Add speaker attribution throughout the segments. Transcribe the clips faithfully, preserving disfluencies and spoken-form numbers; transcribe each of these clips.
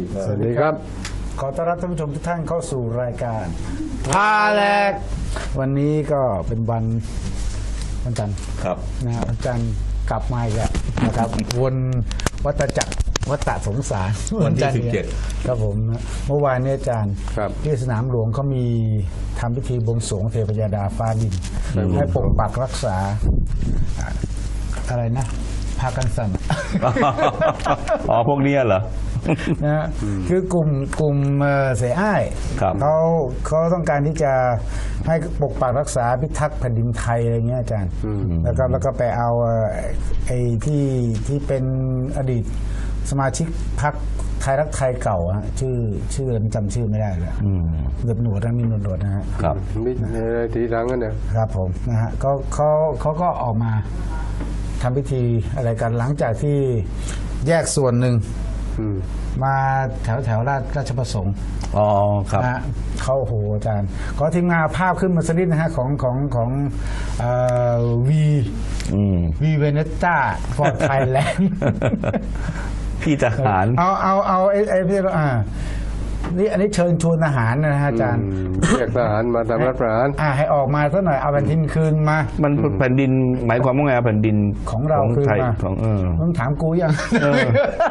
Speaker 1: สวัสดีครับ
Speaker 2: ขอต้อนรับท่านผู้ชมทุกท่านเข้าสู่รายการพาแหลกวันนี้ก็เป็นวันวันจันทร์
Speaker 1: ครับ
Speaker 2: นะฮะวันจันทร์กลับมาอีกแล้วนะครับวนวัฏจักรวัฏสงสาร
Speaker 1: วันที่สิบเจ็ด
Speaker 2: ครับผมเมื่อวานนี้อาจารย์
Speaker 1: ครับ
Speaker 2: ที่สนามหลวงเขามีทำพิธีบวงสรวงเทพยดาฟ้าดินให้ปกปักรักษาอ่าอะไรนะพากันสั่น
Speaker 1: อ๋อพวกนี้เหรอ
Speaker 2: นะฮะคือกลุ่มกลุ่มเอ่อเสอ้าย
Speaker 1: ครับ
Speaker 2: เขาเขาต้องการที่จะให้ปกปักรักษาพิทักษ์แผ่นดินไทยอะไรเงี้ยอาจารย์แล้วก็แล้วก็ไปเอาเอ่อไอ้ที่ที่เป็นอดีตสมาชิกพรรคไทยรักไทยเก่าฮะชื่อชื่ออะไรจำชื่อไม่ได้เลยเหลือบหนวดนะมีหนวดหนวดนะฮะ
Speaker 1: ครับ
Speaker 3: มีอะไรทีหลังกันเนี่ย
Speaker 2: ครับผมนะฮะเขาเขาเขาก็ออกมาทำพิธีอะไรกันหลังจากที่แยกส่วนหนึ่ง
Speaker 3: อืม
Speaker 2: มาแถวแถวราชราชประสงค์
Speaker 1: อ๋อครับ
Speaker 2: นะฮะเขาโอ้โหอาจารย์ขอทีมงานเอาภาพขึ้นมาสักนิดนะฮะของของของวีวีเวเนต้าฟอร์ดไทยแลนด์
Speaker 1: พี่ทหาร
Speaker 2: เอาเอาเอาไอ้ไอ้พี่อ่านี่อันนี้เชิญชวนทหารนะฮะอาจารย์
Speaker 3: เรียกทหารมาทำรัฐประหาร
Speaker 2: อ่าให้ออกมาสักหน่อยเอาแผ่นดินคืนมา
Speaker 1: มันแผ่นดินหมายความว่าไงแผ่นดิน
Speaker 2: ของเราคืน
Speaker 1: ไทย
Speaker 2: มา
Speaker 1: ของเออ
Speaker 2: มึงถามกูยัง
Speaker 1: เออ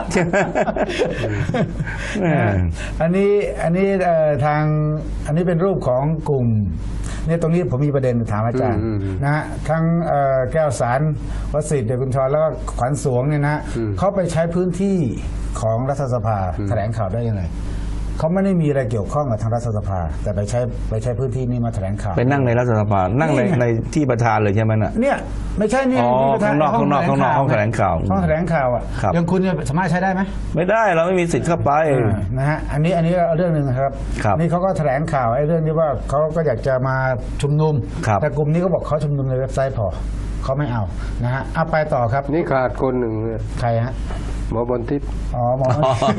Speaker 1: แม่
Speaker 2: อันนี้อันนี้เอ่อทางอันนี้เป็นรูปของกลุ่มเนี่ยตรงนี้ผมมีประเด็นถามอาจารย์นะฮะทั้งเอ่อแก้วสารวสิทธิ์เดชกุญชรแล้วก็ขวัญสวงเนี่ยนะเขาไปใช้พื้นที่ของรัฐสภาแถลงข่าวได้ยังไงเขาไม่ได้มีอะไรเกี่ยวข้องกับทางรัฐสภาแต่ไปใช้ไปใช้พื้นที่นี้มาแถลงข่าว
Speaker 1: ไปนั่งในรัฐสภานั่งใน
Speaker 2: นี่ไง
Speaker 1: ในที่ประธานเลยใช่ไหมน่ะ
Speaker 2: เนี่ยไม่ใช่เนี่ย
Speaker 1: อ๋อ
Speaker 2: ที่ประธ
Speaker 1: ข้างนอก
Speaker 2: ห้
Speaker 1: ข้างนอกข้างนอกห้องแถลงข่าว
Speaker 2: ห้องแถลงข่าวอ่ะ
Speaker 1: ครับ
Speaker 2: อย่างคุณเนี่ยสามารถใช้ได้ไหม
Speaker 1: ไม่ได้เราไม่มีสิทธิ์เข้าไป
Speaker 2: อ่านะฮะอันนี้อันนี้เรื่องหนึ่งนะครับ
Speaker 1: ครับ
Speaker 2: นี่เขาก็แถลงข่าวไอ้เรื่องที่ว่าเขาก็อยากจะมาชุมนุม
Speaker 1: ครับ
Speaker 2: แต่กลุ่มนี้ก็บอกเขาชุมนุมในเว็บไซต์พอเขาไม่เอานะฮะเอาไปต่อครับ
Speaker 3: นี่ขาดคนหนึ่งเนี่ย
Speaker 2: ใครฮะ
Speaker 3: หมอบนทิศ
Speaker 2: อ๋อหมอ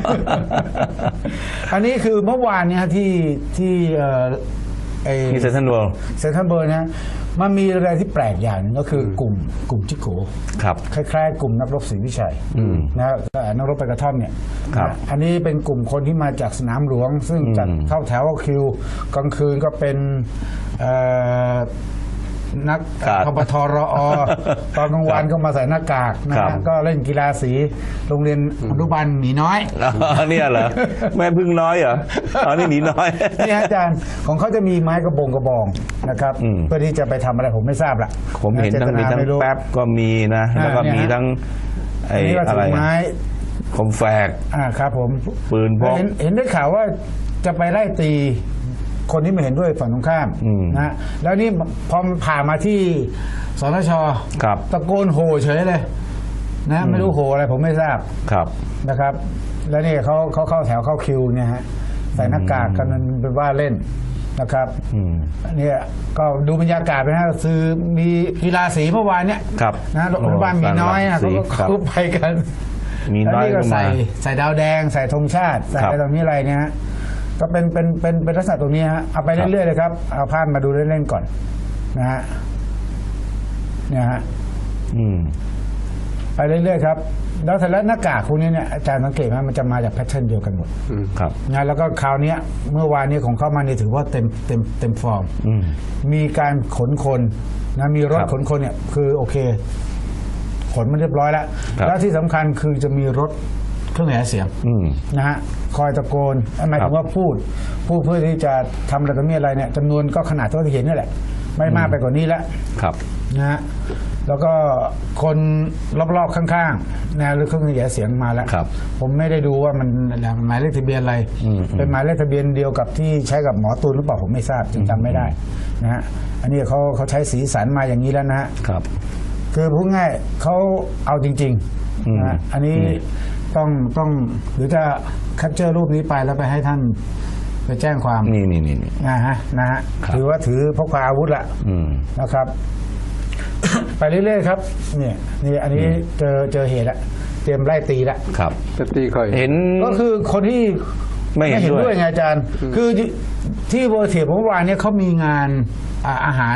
Speaker 2: อันนี้คือเมื่อวานเนี่ยที่ที่เอ่อไอ
Speaker 1: ที่เซ็นทรัลเวิลด์
Speaker 2: เซนทรัลเบิร์นะมันมีอะไรที่แปลกอย่างหนึงก็คือกลุ่มกลุ่มจิโก
Speaker 1: ครับ
Speaker 2: คล้ายๆ กลุ่มนักรบศรีวิชัยนะนักรบไปกระท่อมเนี่ย
Speaker 1: ครับ
Speaker 2: นะอันนี้เป็นกลุ่มคนที่มาจากสนามหลวง ซึ่งจัดเข้าแถวเข้าคิวกลางคืนก็เป็นเอ่อนัก
Speaker 1: ครับ
Speaker 2: พปทรอ ตอนกลางวันก็มาใส่หน้ากากนะ
Speaker 1: ครั
Speaker 2: ฮะ
Speaker 1: บ
Speaker 2: ก็เล่นกีฬาสีโรงเรียนอนุบาลหมีน้อย
Speaker 1: อ๋อเนี่ยเหรอแม่พึ่งน้อยเหรออ๋อนี่หนีน้อย
Speaker 2: นี่ฮะอาจารย์ของเขาจะมีไม้กระบงกระบองนะครับ
Speaker 1: อืม
Speaker 2: เพื่อที่จะไปทำอะไรผมไม่ทราบละ
Speaker 1: ผมเห็นทั้งมีทั้ง
Speaker 2: ไรู้
Speaker 1: แป๊บก็มีนะ
Speaker 2: อ่า
Speaker 1: แล้วก็
Speaker 2: เนี่ย
Speaker 1: มี
Speaker 2: ฮะ
Speaker 1: ทั้งไอ้
Speaker 2: อันนี้ก็
Speaker 1: อะ
Speaker 2: ถื
Speaker 1: ไร
Speaker 2: อไม้
Speaker 1: คมแฝก
Speaker 2: อ่าครับผม
Speaker 1: ปืนพก
Speaker 2: เห็นเห็นได้ข่าวว่าจะไปไล่ตีคนที่ไม่เห็นด้วยฝั่งตรงข้าม
Speaker 1: อืม
Speaker 2: นะฮะแล้วนี่พอผ่านมาที่สนช
Speaker 1: ครับ
Speaker 2: ตะโกนโห่เฉยเลยนะไม่รู้โห่อะไรผมไม่ทราบ
Speaker 1: ครับ
Speaker 2: นะครับ แล้วนี่เขาเขาเข้าแถวเข้าคิวเนี่ยฮะใส่หน้ากากกันเป็นว่าเล่นนะครับ
Speaker 1: อืม
Speaker 2: เนี่ยก็ดูบรรยากาศไปนะซื้อมีกีฬาสีเมื่อวานเนี่ย
Speaker 1: ครับ
Speaker 2: นะโรงพยาบาลมีน้อยนะเขาก็
Speaker 1: ครับ
Speaker 2: เขาไปกัน
Speaker 1: มี
Speaker 2: แล้ว
Speaker 1: น้อย
Speaker 2: นี่ก็
Speaker 1: ก็มา
Speaker 2: ใส่ใส่ดาวแดงใส่ธงชาติ ใส่
Speaker 1: ครับ
Speaker 2: อะไรตรงนี้อะไรเนี่ยฮะก็เป็นเป็นเป็นเป็นลักษณะตรงนี้ฮะเอาไป
Speaker 1: ครับ
Speaker 2: เรื่อยๆเลยครับเอาภาพมาดูเล่นๆก่อนนะฮะเนี่ยฮะ
Speaker 1: อืม
Speaker 2: ไปเรื่อยๆครับแล้วแต่ละหน้ากากพวกนี้เนี่ยอาจารย์สังเกตไหมมันจะมาจากแพทเทิร์นเดียวกันหมด
Speaker 1: ครับ
Speaker 2: นะแล้วก็คราวเนี้ยเมื่อวานนี้ของเข้ามาเนี่ยถือว่าเต็มเต็มเต็มฟอร์ม
Speaker 1: อืม
Speaker 2: มีการขนคนนะมีรถ
Speaker 1: ครับ
Speaker 2: ขนคนเนี่ยคือโอเคขนมันเรียบร้อยแล้ว
Speaker 1: ครับ
Speaker 2: แล้วที่สำคัญคือจะมีรถเครื่องขยายเสียง
Speaker 1: อืม
Speaker 2: นะฮะคอยตะโกนหมายถึงว่าพูดพูดเพื่อที่จะทำอะไรต่อมีอะไรเนี่ยจำนวนก็ขนาดที่เราเห็นนี่แหละ ไม่มากไปกว่านี้แล้ว
Speaker 1: ครับ
Speaker 2: นะฮะแล้วก็คนรอบๆข้างๆนะหรือเครื่องขยายเสียงมาแล้ว
Speaker 1: ครับ
Speaker 2: ผมไม่ได้ดูว่ามันหมายเลขทะเบียนอะไร
Speaker 1: อืม
Speaker 2: เป็นหมายเลขทะเบียนเดียวกับที่ใช้กับหมอตูนหรือเปล่าผมไม่ทราบจำจำไม่ได้นะฮะอันนี้เขาเขาใช้สีสันมาอย่างนี้แล้วนะฮะ
Speaker 1: ครับ
Speaker 2: คือพูดง่ายเขาเอาจริง
Speaker 1: อืม
Speaker 2: ๆนะฮะอันนี้ต้องต้องหรือจะแคปเจอร์รูปนี้ไปแล้วไปให้ท่านไปแจ้งความ
Speaker 1: นี่นี่นี่นี่
Speaker 2: นะฮะนะฮะ
Speaker 1: ครับ
Speaker 2: ถือว่าถือพกพาอาวุธละ
Speaker 1: อืม
Speaker 2: นะครับ ไปเรื่อยๆครับเนี่ยนี่อันนี้เจอเจอเหตุละเตรียมไล่ตีละ
Speaker 1: ครับ
Speaker 3: จะตีใคร
Speaker 1: เห็น
Speaker 2: ก็คือคนที่
Speaker 1: ไม่เห็นด้วย
Speaker 2: ไงอาจารย์ คือที่เวอร์เทียเมื่อวานเนี่ยเขามีงานอ่าอาหาร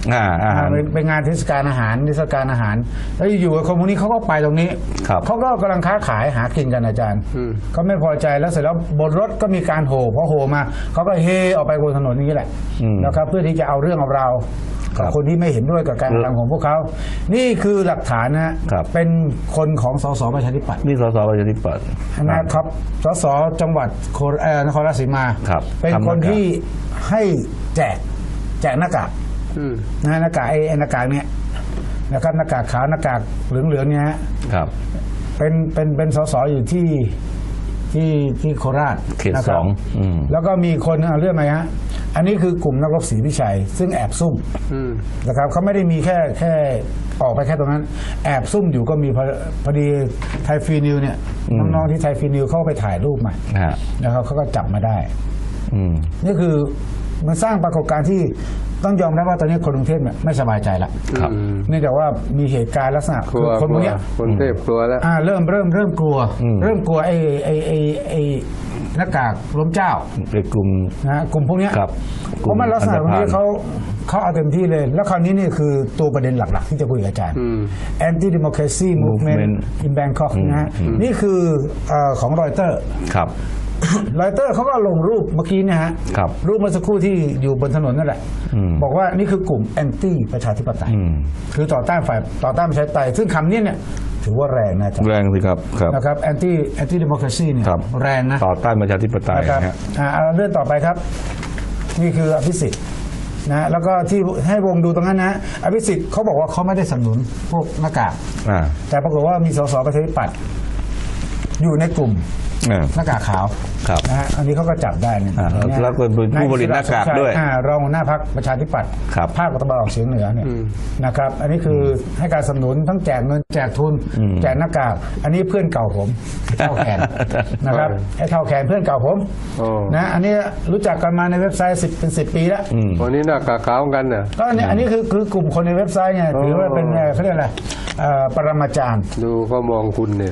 Speaker 1: อ่าอาหาร
Speaker 2: เป็นเป็นงานเทศกาลอาหารเทศกาลอาหาร แล้วอยู่ๆคนพวกนี้เขาก็ไปตรงนี้
Speaker 1: ครับ
Speaker 2: เขาก็กำลังค้าขายหากินกันอาจารย์
Speaker 3: อืม
Speaker 2: เขาไม่พอใจแล้วเสร็จแล้วบนรถก็มีการโห่พอโห่มาเขาก็เฮออกไปบนถนนนี้แหละ
Speaker 1: อืม
Speaker 2: นะครับเพื่อที่จะเอาเรื่องเอาราว
Speaker 1: ครั
Speaker 2: กับบ คนที่ไม่เห็นด้วยกับการกระทำของพวกเขา นี่คือหลักฐานนะฮะ
Speaker 1: ครับ
Speaker 2: เป็นคนของสสประชาธิปัตย์
Speaker 1: นี่สสประชาธิปัตย์
Speaker 2: นะครับสสจังหวัดโคเอ่อนครราชสีมา
Speaker 1: ครับ
Speaker 2: เป็น
Speaker 1: ทำหน้ากาก
Speaker 2: คนที่ให้แจกแจกหน้ากาก
Speaker 3: อืม
Speaker 2: นะหน้ากากไอ้ไอ้หน้ากากเนี่ยนะครับหน้ากากขาวหน้ากากเหลืองๆเนี่ยฮะ
Speaker 1: ครับ
Speaker 2: เป็นเป็นเป็นสสอยู่ที่ที่ที่โคราช
Speaker 1: เขต
Speaker 2: นะค
Speaker 1: ส
Speaker 2: รับ
Speaker 1: องอืม
Speaker 2: แล้วก็มีคนเอาเรื่องไหมฮะอันนี้คือกลุ่มนักรบศรีวิชัย ซึ่งแอบซุ่ม
Speaker 3: อืม
Speaker 2: นะครับเขาไม่ได้มีแค่แค่ออกไปแค่ตรงนั้น แอบซุ่มอยู่ก็มีพอพอดีไทยฟรีนิวเนี่ย
Speaker 1: อืม
Speaker 2: น้องๆที่ไทยฟรีนิวเขาไปถ่ายรูปมา
Speaker 1: ฮะ
Speaker 2: นะครับเขาก็จับมาได้
Speaker 1: อืม
Speaker 2: นี่คือมันสร้างปรากฏการณ์ที่ต้องยอมรับว่าตอนนี้คนกรุงเทพเนี่ยไม่สบายใจละ
Speaker 1: ครับ
Speaker 3: อืม
Speaker 2: เนื่องจากว่ามีเหตุการณ์ลักษณะ
Speaker 3: กลัว
Speaker 2: คนพวกเนี้ย
Speaker 3: คนเทพกลัวแล้ว
Speaker 2: อ่าเริ่มเริ่มเริ่มกลัว
Speaker 1: อืม
Speaker 2: เริ่มกลัวไอ้ไอ้ไอ้ไอ้หน้ากากล้มเจ้า
Speaker 1: เป็นกลุ่ม
Speaker 2: นะฮะกลุ่มพวกเนี้ย
Speaker 1: ครับ
Speaker 2: เพราะมันลักษณะตรงนี้
Speaker 1: อันธพาล
Speaker 2: เขาเขาเอาเต็มที่เลย แล้วคราวนี้นี่คือตัวประเด็นหลักๆ ที่จะคุยกับอาจารย์
Speaker 3: อืม
Speaker 2: anti democracy movement
Speaker 1: Movement
Speaker 2: in Bangkok
Speaker 1: อืม
Speaker 2: นะฮะ
Speaker 1: อืม
Speaker 2: นี่คือเอ่อของรอยเตอร์
Speaker 1: ครับ
Speaker 2: รอยเตอร์เขาก็ลงรูปเมื่อกี้เนี่ยฮะ
Speaker 1: ครับ
Speaker 2: รูปเมื่อสักครู่ที่อยู่บนถนนนั่นแหละ
Speaker 1: อืม
Speaker 2: บอกว่านี่คือกลุ่มแอนตี้ประชาธิปไตย
Speaker 1: อืม
Speaker 2: คือต่อต้านฝ่ายต่อต้านประชาธิปไตยซึ่งคำนี้เนี่ยถือว่าแรงนะจ๊ะ
Speaker 1: แรงสิครับครับ
Speaker 2: นะครับแอนตี้แอนตี้ดิโมคราซีเนี่ย
Speaker 1: ครับ
Speaker 2: แรงนะ
Speaker 1: ต่อต้านประชาธิปไตย
Speaker 2: นะครับ
Speaker 1: นะฮะ
Speaker 2: อ่าเอาเรื่องต่อไปครับ นี่คืออภิสิทธิ์นะแล้วก็ที่ให้วงดูตรงนั้นนะอภิสิทธิ์เขาบอกว่าเขาไม่ได้สนับสนุนพวกหน้ากาก
Speaker 1: อ่า
Speaker 2: แต่ปรากฏว่ามีสสประชาธิปัตย์อยู่ในกลุ่ม
Speaker 1: อ่า
Speaker 2: หน้ากากขาว
Speaker 1: ครับ
Speaker 2: นะฮะอันนี้เขาก็จับได้เนี่ย
Speaker 1: อ่า
Speaker 2: เนี่ย
Speaker 1: แล้วก็เป็นผู้ผลิตหน้ากากด้วย
Speaker 2: อ่ารองหัวหน้าพรรคประชาธิปัตย์
Speaker 1: ครับ
Speaker 2: ภาคตะวันออกเฉียงเหนือเนี่ยนะครับ อันนี้คือให้การสนับสนุนทั้งแจกเงินแจกทุน
Speaker 1: อืม
Speaker 2: แจกหน้ากาก อันนี้เพื่อนเก่าผมเท่าแขนนะครับไอ้เท่าแขนเพื่อนเก่าผม
Speaker 3: โอ้
Speaker 2: นะอันนี้รู้จักกันมาในเว็บไซต์สิบเป็นสิบปีแล้ว
Speaker 1: อืม
Speaker 3: วันนี้หน้ากากขาวกันน่ะ
Speaker 2: ก็เนี่ยอันนี้คือคือกลุ่มคนในเว็บไซต์ไงถือว่าเป็นเอ่อเขาเรียกอะไรเอ่อปรมาจารย์
Speaker 3: ดูเขามองคุณเนี่ย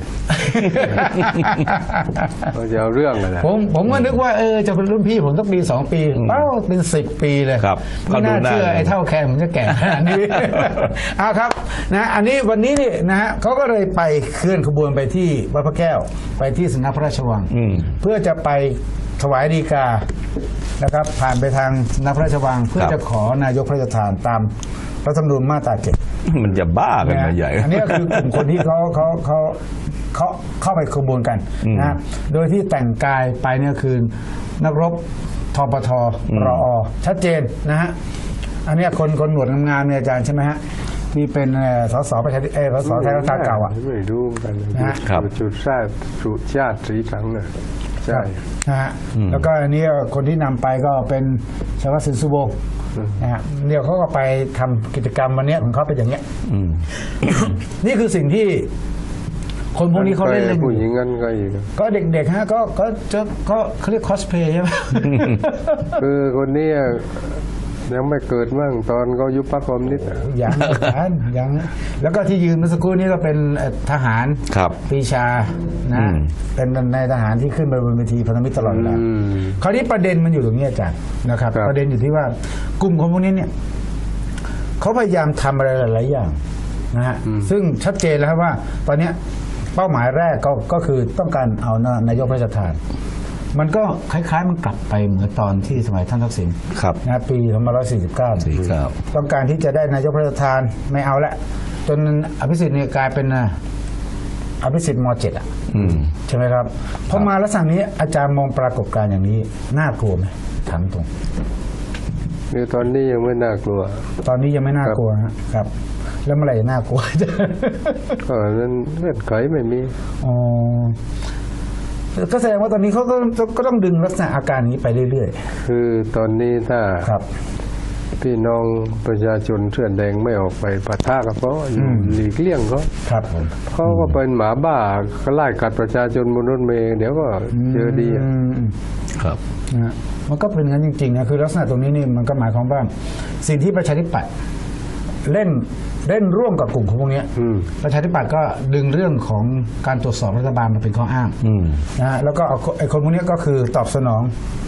Speaker 3: เขาจะเอาเรื่องกันนะ
Speaker 2: ผมผมก็นึกว่าเออจะเป็นรุ่นพี่ผมสักปีสองปีเป้าเป็นสิบปีเลย
Speaker 1: ครับ
Speaker 2: ไม่น่า
Speaker 1: เขาดูหน้า
Speaker 2: เชื่อไอ้เท่าแขนผมจะแก่ขนาดนี้ เอาครับนะอันนี้วันนี้นี่นะฮะเขาก็เลยไปเคลื่อนขบวนไปที่วัดพระแก้ว ไปที่สำนักพระราชวัง
Speaker 1: อืม
Speaker 2: เพื่อจะไปถวายฎีกานะครับ ผ่านไปทางสำนักพระราชวัง เพื่อ
Speaker 1: ครับ
Speaker 2: จะขอนายกพระราชทานตามรัฐธรรมนูญมาตราเจ็ด
Speaker 1: มันจะบ้ากันมาใหญ่
Speaker 2: อันนี้ก็คือกลุ่มคนที่เขาเขาเขาเขาเข้าไปขบวนกัน
Speaker 1: อืม
Speaker 2: นะโดยที่แต่งกายไปเนี่ยคือนักรบทปท
Speaker 1: อืม
Speaker 2: รอชัดเจนนะฮะอันเนี้ยคนคนหนวดงามๆเนี่ยอาจารย์ใช่ไหมฮะที่เป็นเอ่อสสประชาธิเออสสไทยรักษาเก่าอ่ะ
Speaker 3: ไม่รู้เหมือนกัน
Speaker 2: นะฮะ
Speaker 1: ครับ
Speaker 3: จุดชาติจุดชาติสีสังน่ะใช่
Speaker 2: นะฮะ
Speaker 1: อืม
Speaker 2: แล้วก็อันนี้คนที่นำไปก็เป็นชาวสินสุโบงนะฮะเดี๋ยวเขาก็ไปทำกิจกรรมวันเนี้ยของเขาเป็นอย่างเงี้ย
Speaker 1: อืม
Speaker 2: นี่คือสิ่งที่คนพวกนี้เขาเล่นเล่นอ
Speaker 3: ผู้หญิ
Speaker 2: ยู่
Speaker 3: งกันก็อีก
Speaker 2: ก็เด็กๆฮะก็ก็จะก็เขาเรียกคอสเพลย์ใช่ไหม
Speaker 3: คือคนนี้ยังไม่เกิดมั่งตอนเขายุบพรรคคอมมิวนิสต์อะ
Speaker 2: ยังยังยังแล้วก็ที่ยืนเมื่อสักครู่นี้ก็เป็นเอ่อทหาร
Speaker 1: ครับ
Speaker 2: ปรีชา
Speaker 1: อื
Speaker 2: นะ
Speaker 1: ม
Speaker 2: เป็นในทหารที่ขึ้นไปบนเวทีพันธมิตรตลอดเวลา
Speaker 3: อืม
Speaker 2: คราวนี้ประเด็นมันอยู่ตรงนี้อาจารย์นะครับ
Speaker 3: ครับ
Speaker 2: ประเด็นอยู่ที่ว่ากลุ่มคนพวกนี้เนี่ยเขาพยายามทำอะไรหลายๆอย่างนะฮะซึ่งชัดเจนแล้วครับว่า ตอนเนี้ยเป้าหมายแรกก็ก็คือต้องการเอานายกพระราชทาน มันก็คล้ายๆมันกลับไปเหมือนตอนที่สมัยท่านทักษิณ
Speaker 1: ครับ
Speaker 2: นะปีสองพันห้าร้อยสี่สิบเก้า
Speaker 1: สี่เก้า
Speaker 2: ต้องการที่จะได้นายกพระราชทานไม่เอาละจนอภิสิทธิ์เนี่ยกลายเป็นอ่ะอภิสิทธิ์มเจ็ดอ่ะ
Speaker 1: อืม
Speaker 2: ใช่ไหมครับพอมาลักษณะนี้อาจารย์มองปรากฏการณ์อย่างนี้น่ากลัวไหมถามตรง
Speaker 3: คือตอนนี้ยังไม่น่ากลัว
Speaker 2: ตอนนี้ยังไม่น่ากลัวฮะครับ แล้วเมื่อไหร่จะน่ากลัว
Speaker 3: ก็นั้นเงื่อนไขไม่มี
Speaker 2: อ๋อก็แสดงว่าตอนนี้เขาก็ก็ต้องดึงลักษณะอาการนี้ไปเรื่อย
Speaker 3: คือตอนนี้ถ้า
Speaker 2: ๆครับ
Speaker 3: พี่น้องประชาชนเสื้อแดงไม่ออกไปปะทะกับเขาอยู่
Speaker 2: อืม
Speaker 3: หลีกเลี่ยงเขา
Speaker 2: ครับผม
Speaker 3: เขาก็เป็นหมาบ้าเขาไล่กัดประชาชนบนรถเมล์เดี๋ยวก็เจอดีอะ
Speaker 2: ม
Speaker 1: ครับ
Speaker 2: นะฮะมันก็เป็นงั้นจริงๆนะคือลักษณะตรงนี้นี่มันก็หมายความว่าสิ่งที่ประชาธิปัตย์เล่นเล่นร่วมกับกลุ่มของพวกเนี้ย
Speaker 3: อืม
Speaker 2: ประชาธิปัตย์ก็ดึงเรื่องของการตรวจสอบรัฐบาลมาเป็นข้ออ้าง
Speaker 1: อืม
Speaker 2: นะฮะแล้วก็เอาไอ้คนพวกเนี้ยก็คือตอบสนอง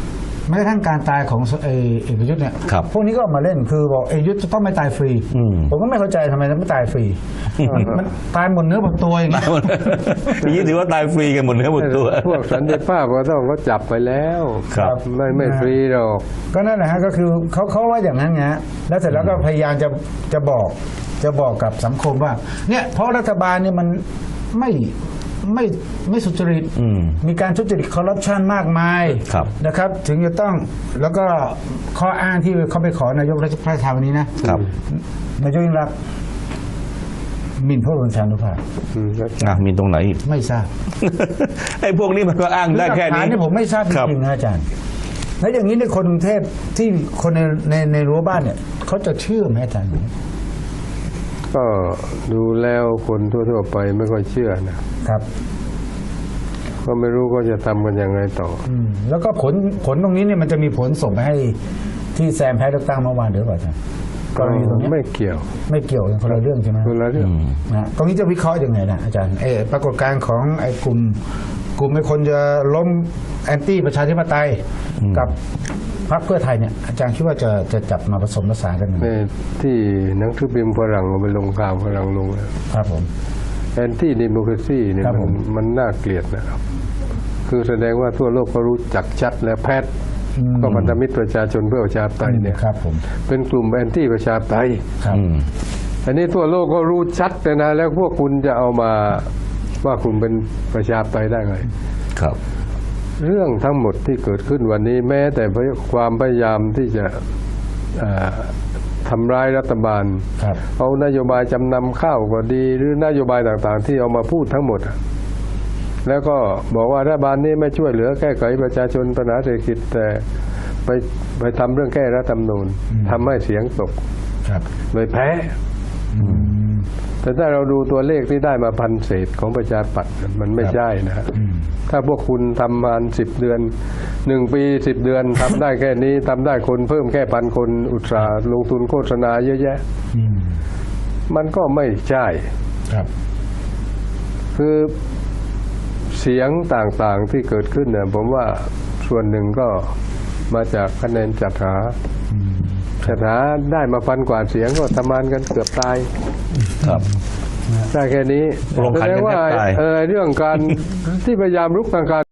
Speaker 2: แม้กระทั่งการตายของเอเอกยุทธ์เนี่ย
Speaker 1: ครับ
Speaker 2: พวกนี้ก็ออกมาเล่นคือบอกเอกยุทธ์จะต้องไม่ตายฟรี
Speaker 1: อืม
Speaker 2: ผมก็ไม่เข้าใจทำไมถึงไม่ตายฟรีมันตายหมดเนื้อหมดตัวอย่างนี้
Speaker 1: อย่างนี้ถือว่าตายฟรีกันหมดเนื้อหมดตัว
Speaker 3: พวกสันติภาพก็ต้องเขาจับไปแล้ว
Speaker 1: ครับ
Speaker 3: ไม่ไม่ฟรีหรอก
Speaker 2: ก็นั่นแหละฮะก็คือเขาเขาว่าอย่างนั้นไงฮะแล้วเสร็จแล้วก็พยายามจะจะบอกจะบอกกับสังคมว่า เนี่ยเพราะรัฐบาลเนี่ยมันไม่ไม่ไม่สุจริต
Speaker 1: อืม
Speaker 2: มีการทุจริตคอร์รัปชันมากมาย
Speaker 1: ครับ
Speaker 2: นะครับ ถึงจะต้องแล้วก็ข้ออ้างที่เขาไปขอนายกรัฐมนตรีวันนี้นะครับ นายกยิ่งรักษณ์หมิ่นพระบรมชานุภาพ
Speaker 3: อืม
Speaker 1: อ่ะมีตรงไหนอีก
Speaker 2: ไม่ทราบ
Speaker 1: ไอ้พวกนี้มันก็อ้างได้แค่
Speaker 2: หลัก
Speaker 1: นี้
Speaker 2: ฐานนี่ผมไม่ทราบจ
Speaker 1: ครับ
Speaker 2: ริงๆนะอาจารย์แล้วอย่างนี้ในคนกรุงเทพที่คนในในในรั้วบ้านเนี่ยเขาจะเชื่อไหมอาจารย์
Speaker 3: ก็ดูแล้วคนทั่วๆไปไม่ค่อยเชื่อนะครับ ก็ไม่รู้ก็จะทำกันยังไงต่อ
Speaker 2: อืมแล้วก็ผลผลตรงนี้เนี่ยมันจะมีผลส่งไปให้ที่แซมแพ้เลือกตั้งเมื่อวานหรือเปล่าอาจารย์กรณีตรงเนี้ย
Speaker 3: ไม่เกี่ยว
Speaker 2: ไม่เกี่ยวกันคนละเรื่องใช่ไหม
Speaker 3: คนละเรื่อง
Speaker 2: นะตรงนี้จะวิเคราะห์ยังไงนะอาจารย์เออปรากฏการณ์ของไอ้กลุ่มกลุ่มไอ้คนจะล้มแอนตี้ประชาธิปไตยกับพรรคเพื่อไทยเนี่ยอาจารย์คิดว่าจะจะจับมาผสมผสานกันยังไง
Speaker 3: ในที่หนังสือพิมพ์ฝรั่งเอาไปลงข่าวฝรั่งลงแล้ว
Speaker 2: ครับผม
Speaker 3: แอนตี้ดิโมคราซีเนี่ย
Speaker 2: ครับ
Speaker 3: มั
Speaker 2: ผ
Speaker 3: น
Speaker 2: ม
Speaker 3: มันน่าเกลียดนะครับ คือแสดงว่าทั่วโลกก็รู้จักชัดแล้วแพทย์
Speaker 2: อืม
Speaker 3: ก็พันธมิตรประชาชนเพื่อประชาธิปไตยเนี่ย
Speaker 2: ครับผม
Speaker 3: เป็นกลุ่มแอนตี้ประชาธิปไตย
Speaker 2: ครับ
Speaker 1: อืม
Speaker 3: อันนี้ทั่วโลกก็รู้ชัดเลยนะแล้วพวกคุณจะเอามาว่าคุณเป็นประชาธิปไตยได้ไง
Speaker 1: ครับ
Speaker 3: เรื่องทั้งหมดที่เกิดขึ้นวันนี้แม้แต่ความพยายามที่จะเอ่อทำร้ายรัฐบาล
Speaker 2: ครับ
Speaker 3: เอานโยบายจำนำข้าวก็ดี หรือนโยบายต่างๆ ที่เอามาพูดทั้งหมดอะแล้วก็บอกว่ารัฐบาลนี้ไม่ช่วยเหลือแก้ไขประชาชนปัญหาเศรษฐกิจแต่ไปไปทำเรื่องแก้รัฐธรรมนูญทำให้เสียงตก
Speaker 2: ครับ
Speaker 3: เลยแพ้
Speaker 2: อืม
Speaker 3: แต่ถ้าเราดูตัวเลขที่ได้มาพันเศษของประชาธิปัตย์มันไม่ใช่นะฮะ
Speaker 2: อืม
Speaker 3: ถ้าพวกคุณทำมาสิบเดือนหนึ่งปีสิบเดือนทำได้แค่นี้ทำได้คนเพิ่มแค่พันคนอุตสาห์ลงทุนโฆษณาเยอะแยะ
Speaker 2: อืม
Speaker 3: มันก็ไม่ใช่
Speaker 2: ครับ
Speaker 3: คือเสียงต่างๆที่เกิดขึ้นเนี่ยผมว่าส่วนหนึ่งก็มาจากคะแนนจัดหาจัดหาได้มาพันกว่าเสียงก็ทำงานกันเกือบตาย
Speaker 1: ครับ
Speaker 3: ได้แค่นี้
Speaker 1: ลงขันกันแทบ
Speaker 3: แสดงว่า
Speaker 1: ตาย
Speaker 3: เออเรื่องการที่พยายามรุกทางการ